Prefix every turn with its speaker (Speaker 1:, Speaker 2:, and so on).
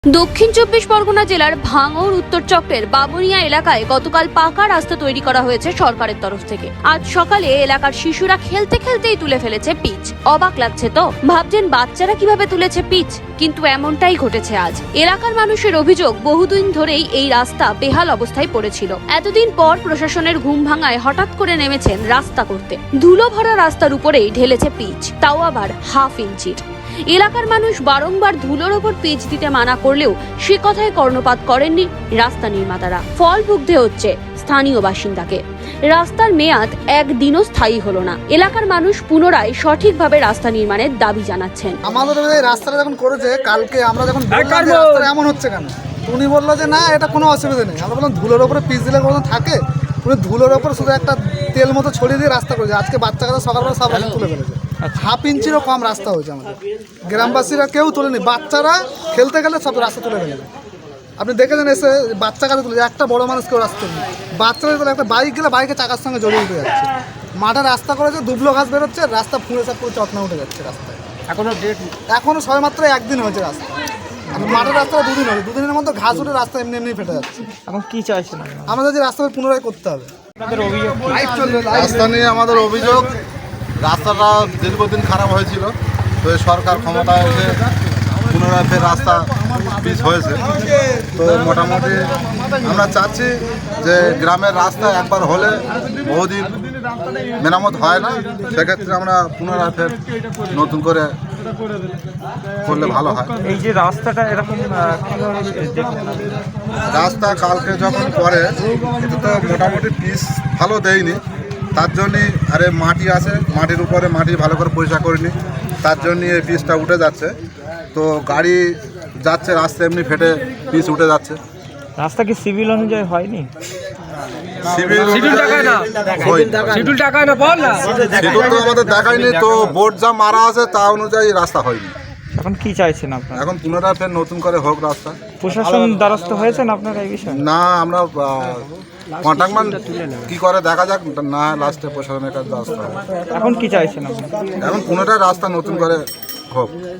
Speaker 1: দক্ষিণ চব্বিশ পরগনা জেলার ভাঙড় উত্তর চক্রের বাবুনিয়া এলাকায় গতকাল পাকা রাস্তা তৈরি করা হয়েছে সরকারের তরফ থেকে। আজ সকালে এলাকার শিশুরা খেলতে খেলতেই তুলে ফেলেছে পিচ। অবাক লাগছে তো, ভাবছেন বাচ্চারা কিভাবে তুলেছে পিচ, কিন্তু এমনটাই ঘটেছে আজ। এলাকার মানুষের অভিযোগ, বহুদিন ধরেই এই রাস্তা বেহাল অবস্থায় পড়েছিল। এতদিন পর প্রশাসনের ঘুম ভাঙায় হঠাৎ করে নেমেছেন রাস্তা করতে। ধুলো ভরা রাস্তার উপরেই ঢেলেছে পিচ, তাও আবার হাফ ইঞ্চির। এলাকার মানুষ বারংবার ধুলোর ওপর পিচ দিতে মানা করলেও সে কথায় কর্ণপাত করেননি রাস্তা নির্মাতারা। ফল ভুগতে হচ্ছে স্থানীয় বাসিন্দাকে। রাস্তার মেয়াদ একদিনও স্থায়ী হলো না। এলাকার মানুষ পুনরায় সঠিকভাবে রাস্তা নির্মাণের দাবি জানাচ্ছেন।
Speaker 2: আমাদের এই রাস্তাটা যখন করেছে, কালকে আমরা যখন বললাম যে রাস্তাটা এমন হচ্ছে কেন, উনি বললো যে না, এটা কোনো অসুবিধা নেই। আমরা বললাম ধুলোর ওপরে পিচ দিলে কোনো থাকে? উনি ধুলোর ওপরে শুধু একটা তেল মতো ছড়িয়ে দিয়ে রাস্তা করেছে। আজকে বাচ্চা কাচ্চা সকালবেলা সব রাস্তা তুলে ফেলেছে। হাফ ইঞ্চিরও কম রাস্তা হয়েছে আমাদের। গ্রামবাসীরা কেউ তোলেনি, বাচ্চারা খেলতে গেলে সব রাস্তা তুলে ফেলেছে। আপনি দেখেছেন এসে বাচ্চা কাছে তুলেছে, একটা বড় মানুষ কেউ রাস্তা তুলে। বাচ্চারা তোলে, একটা বাইক গেলে বাইকের চাকার সঙ্গে জড়িয়ে উঠে যাচ্ছে। মাঠে রাস্তা করেছে, দুবলো ঘাস বেরোচ্ছে, রাস্তা ফুঁড়ে সব পুরো চটনা উঠে যাচ্ছে রাস্তায়। এখনো সবেমাত্র একদিন হয়েছে রাস্তা। মাঠের রাস্তাটা দুদিন হয়েছে, দুদিনের মধ্যে ঘাস উঠে রাস্তা এমনি এমনি ফেটে যাচ্ছে।
Speaker 3: এখন কি চাইছেন?
Speaker 2: আমাদের যে রাস্তা পুনরায় করতে হবে।
Speaker 4: রাস্তা নিয়ে আমাদের অভিযোগ, রাস্তাটা দীর্ঘদিন খারাপ হয়েছিল, তো সরকার ক্ষমতায় এসে পুনরায় ফের রাস্তা পিচ হয়েছে। তো মোটামুটি আমরা চাচ্ছি যে গ্রামের রাস্তা একবার হলে বহুদিন মেরামত হয় না, সেক্ষেত্রে আমরা পুনরায় ফের নতুন করে করলে ভালো হয়।
Speaker 3: এই যে রাস্তাটা এরকম
Speaker 4: রাস্তা কালকে যখন করে, এটা তো মোটামুটি পিচ ভালো দেয়নি, তার জন্যই আরে মাটি আছে, মাটির উপরে মাটি ভালো করে পরিষ্কার করিনি, তার জন্যই এই পিচটা উঠে যাচ্ছে। তো গাড়ি যাচ্ছে, রাস্তা এমনি ফেটে পিচ উঠে যাচ্ছে।
Speaker 3: রাস্তা কি সিভিল অনুযায়ী হয়নি?
Speaker 4: সিভিল তো আমাদের দেখায়নি, তো বোর্ড যা মারা আছে তা অনুযায়ী রাস্তা হয়নি।
Speaker 3: এখন কি চাইছেন আপনারা?
Speaker 4: এখন পুনরায় ফের নতুন করে হোক রাস্তা।
Speaker 3: প্রশাসন দ্বারস্থ হয়েছেন আপনারা এই বিষয়ে?
Speaker 4: না, আমরা কন্ট্রাক্টম্যান কি করে দেখা যাক, না লাস্টে প্রশাসনের কাছে রাস্তা হবে।
Speaker 3: এখন কি চাইছেন আপনারা?
Speaker 4: এখন পুনরায় রাস্তা নতুন করে হোক।